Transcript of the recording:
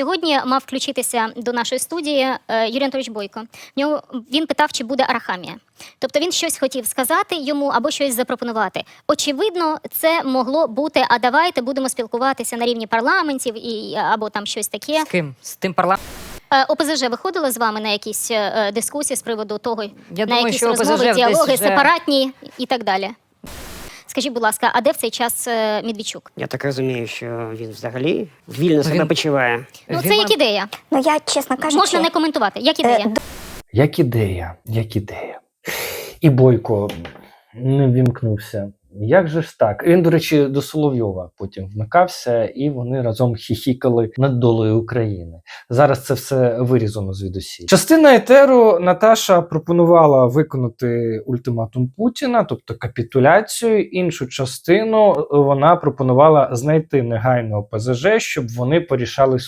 Сьогодні мав включитися до нашої студії Юрій Анатолійович Бойко. Він питав, чи буде Арахамія. Тобто він щось хотів сказати йому або щось запропонувати. Очевидно, це могло бути, а давайте будемо спілкуватися на рівні парламентів або там щось таке. З ким? З тим парламентом? ОПЗЖ виходило з вами на якісь дискусії з приводу того, на думаю, якісь що розмови, ОПЗЖ діалоги, десь вже- сепаратні і так далі? Скажіть, будь ласка, а де в цей час Медведчук? Я так розумію, що він взагалі вільно себе Він- почуває. Ну, це Він як ідея. Ну я, чесно кажучи, Можна не коментувати. Як ідея? Як ідея, як ідея. І Бойко не вімкнувся. Як же ж так? Він, до речі, до Соловйова потім вмикався, і вони разом хіхікали над долею України. Зараз це все вирізано звідусіль. Частина етеру Наташа пропонувала виконати ультиматум Путіна, тобто капітуляцію. Іншу частину вона пропонувала знайти негайно ОПЗЖ, щоб вони порішали